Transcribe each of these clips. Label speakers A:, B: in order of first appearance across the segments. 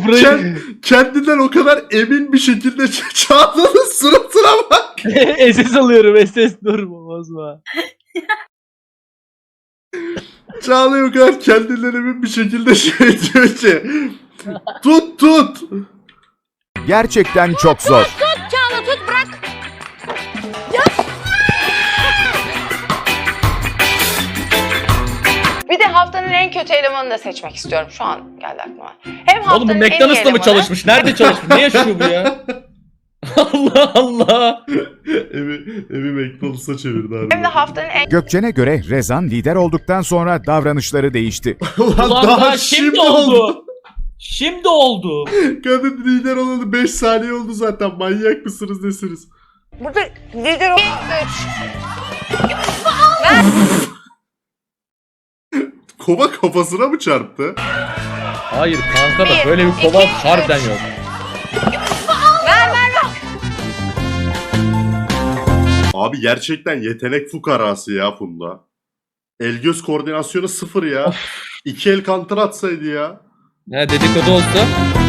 A: kendinden o kadar emin bir şekilde Çağla'nın suratına bak.
B: SS alıyorum SS dur bozma.
A: Çağla o kadar kendinden emin bir şekilde diyor ki tut.
C: Gerçekten çok zor.
D: Çağla tut bırak.
E: Bir de haftanın en kötü elemanını da seçmek istiyorum. Şu an geldi aklıma. Hem haftanın
F: Oğlum bu
E: en iyi
F: McDonald's'ta mı
E: elemanı-
F: çalışmış? Nerede çalışmış? Ne yaşıyor bu ya? Allah Allah.
A: Evi McDonald's'a çevirdi abi.
E: Hem de haftanın en
C: Gökçen'e göre Rezan lider olduktan sonra davranışları değişti.
A: Ulan
F: Ulan
A: daha
F: daha
A: şimdi oldu.
F: Şimdi oldu.
A: Kadın lider olalı 5 saniye oldu zaten. Manyak mısınız nesiniz?
E: burada lider 3.
A: Kova kafasına mı çarptı?
F: Hayır kanka da böyle bir kova harbiden yok.
E: Ver.
A: Abi gerçekten yetenek fukarası ya Funda. El göz koordinasyonu 0 ya. 2 el counter atsaydı ya.
F: Ne dedikodu olsa.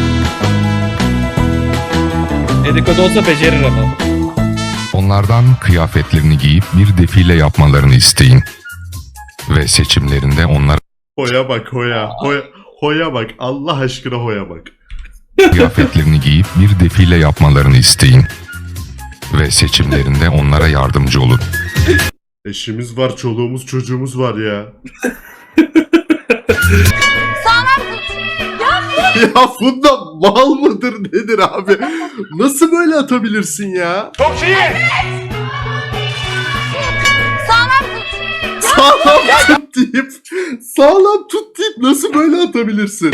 F: Dedikodu olsa becerir ama.
G: Onlardan kıyafetlerini giyip bir defile yapmalarını isteyin. Ve seçimlerinde onlara
A: Hoya bak hoya. Hoya bak. Allah aşkına hoya bak.
G: kıyafetlerini giyip bir defile yapmalarını isteyin. Ve seçimlerinde onlara yardımcı olun.
A: Eşimiz var, çoluğumuz, çocuğumuz var ya. Ya Funda mal mıdır nedir abi? Nasıl böyle atabilirsin ya? Sağlam tut deyip nasıl böyle atabilirsin?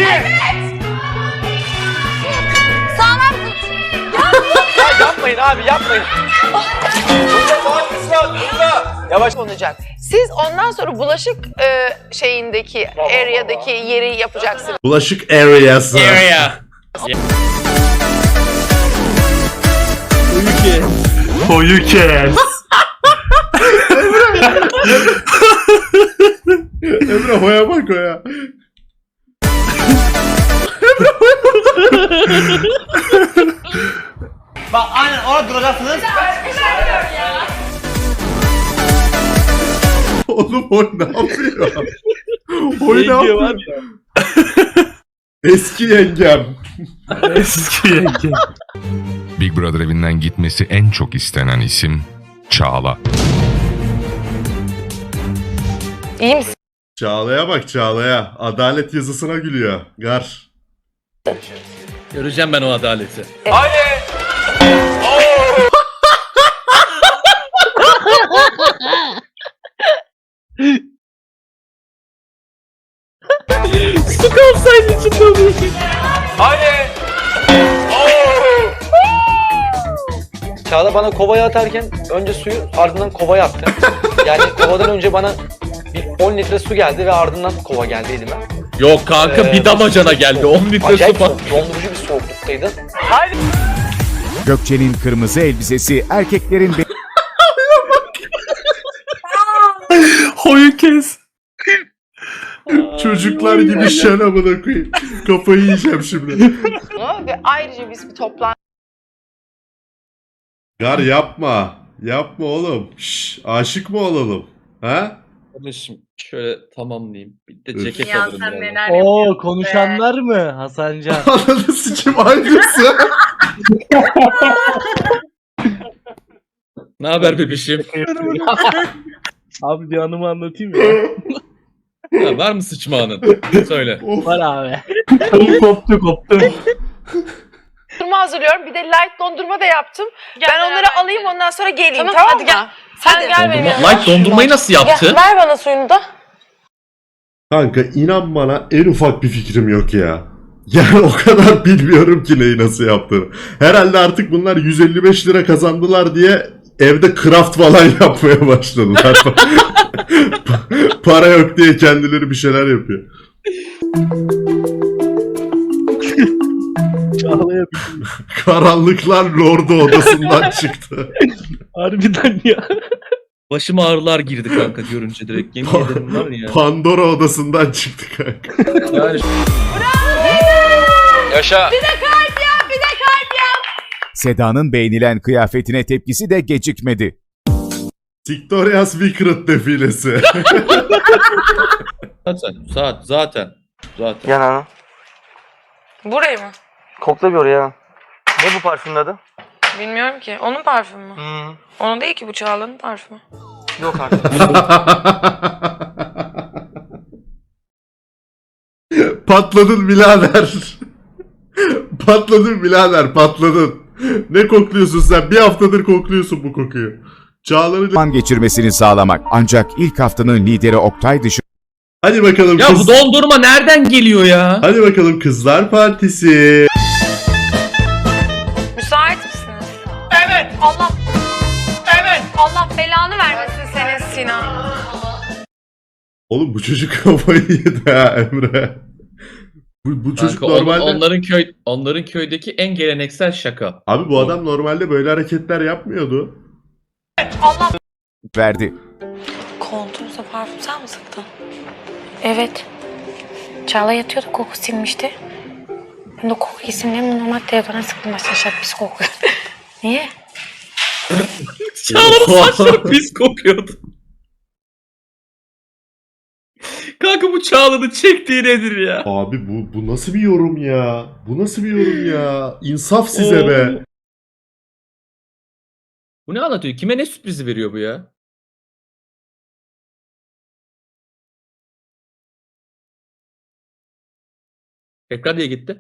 B: Yapmayın abi yapmayın. Yavaş.
E: olacak. Siz ondan sonra bulaşık şeyindeki area'daki yeri yapacaksınız.
A: Bulaşık areası.
F: Area.
A: Koyu kes. Emre hoya bak hoya.
B: Bak aynen orada duracaksınız.
A: Oğlum o ne yapıyor? O ne
B: Yenge
A: yapıyor?
B: var ya.
A: Eski yengem.
B: Eski yenge.
G: Big Brother evinden gitmesi en çok istenen isim Çağla.
E: İyi misin?
A: Çağla'ya bak Çağla'ya. Adalet yazısına gülüyor. Gar.
F: Göreceğim ben o adaleti.
B: Su kalsaydı içinde oluyor. Çağla bana kovaya atarken önce suyu ardından kovaya attı. Yani kovadan önce bana bir 10 litre su geldi ve ardından kova geldi elime.
F: Yok kanka bir damacana geldi. 10 litre su
B: Acayip
F: falan.
B: soğuk, dondurucu bir soğukluktaydı.
C: Gökçen'in kırmızı elbisesi erkeklerin
A: Hoyu kes. Çocuklar gibi şen amına koyayım. Kafayı yiyeceğim şimdi.
E: Ve ayrıca biz bir toplantı
A: Gar yapma. Yapma oğlum. Şş, aşık mı olalım? Ha?
F: Kardeşim şöyle tamamlayayım. Bir de
A: Üf.
F: ceket
D: Ya
F: alırım
D: sen
F: yani.
D: neler
B: Oo
D: yapıyorsun
B: konuşanlar mı Hasancan?
A: Ananı sikim aynısı.
F: Ne haber bebişim?
B: Abi bir anımı anlatayım ya.
F: Ha, var mı sıçmağının? Söyle.
B: Var abi.
H: Koptu.
E: dondurma hazırlıyorum. Bir de light dondurma da yaptım.
D: Gel
E: ben onları
D: beraber
E: alayım
D: gidelim.
E: ondan sonra geleyim.
D: Tamam,
E: Tamam,
D: hadi
E: mı?
D: gel.
E: Sen
D: Hadi.
E: gel benim yanıma.
F: Light dondurmayı nasıl yaptı?
E: Gel, ver bana suyunu da.
A: Kanka inan bana en ufak bir fikrim yok ya. Yani o kadar bilmiyorum ki neyi nasıl yaptığını. Herhalde artık bunlar 155 lira kazandılar diye evde craft falan yapmaya başladılar. Para yok diye kendileri bir şeyler yapıyor.
B: Çağla'ya
A: Karanlıklar Lord'u odasından çıktı.
B: harbiden ya.
F: Başıma ağrılar girdi kanka görünce direkt. Yemin ederim var ya.
A: Pandora odasından çıktı kanka.
F: Yani
B: Yaşa.
E: Bir de kalp yap, bir de kalp yap.
C: Seda'nın beğenilen kıyafetine tepkisi de gecikmedi.
A: Victoria's Secret defilesi.
F: Zaten.
B: Yanağına.
E: Burayı mı?
B: Kokla bir oraya. Ne bu parfümün adı?
E: Bilmiyorum ki. Onun parfümü mü? Onun değil ki, bu Çağla'nın parfümü.
B: Yok artık.
A: Patladın birader. Patladın birader, patladın. Ne kokluyorsun sen? Bir haftadır kokluyorsun bu kokuyu. Çağlar'ın...
C: Zaman geçirmesini sağlamak ancak ilk haftanın lideri Oktay dışı
A: Hadi bakalım
F: Ya bu dondurma nereden geliyor ya?
A: Hadi bakalım Kızlar Partisi.
E: Müsait misiniz? Evet. Allah belanı vermesin senin Sinan.
A: Oğlum bu çocuk kafayı yedi ha Emre. Bu çocuk
F: Kanka,
A: normalde...
F: onların köydeki en geleneksel şaka.
A: Abi bu adam normalde böyle hareketler yapmıyordu.
E: Allah.
C: verdi.
E: Koltuğunuza parfüm sen mi sıktın? Evet. Çağla yatıyordu, koku silmişti. Ben de koku isimlerini normal telefona sıktım. Başta şak pis kokuyor. Niye?
F: Çağlar'ın saçları pis kokuyordu. Kanka bu Çağlar'ın çektiği nedir ya?
A: Abi bu nasıl bir yorum ya? Bu nasıl bir yorum ya? İnsaf size be.
F: Bu ne anlatıyor? Kime ne sürprizi veriyor bu ya? Ekran diye gitti.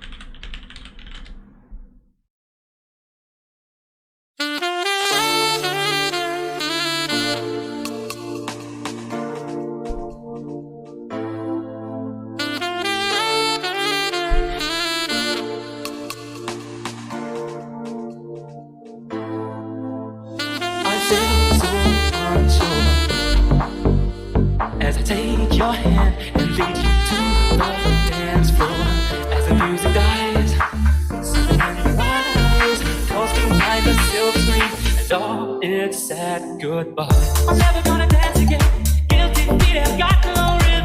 D: As I take your hand and lead you to the dance floor, as the music dies, something in your eyes calls behind the silver screen, and all it's said goodbye. I'm never gonna dance again. Guilty feet have got no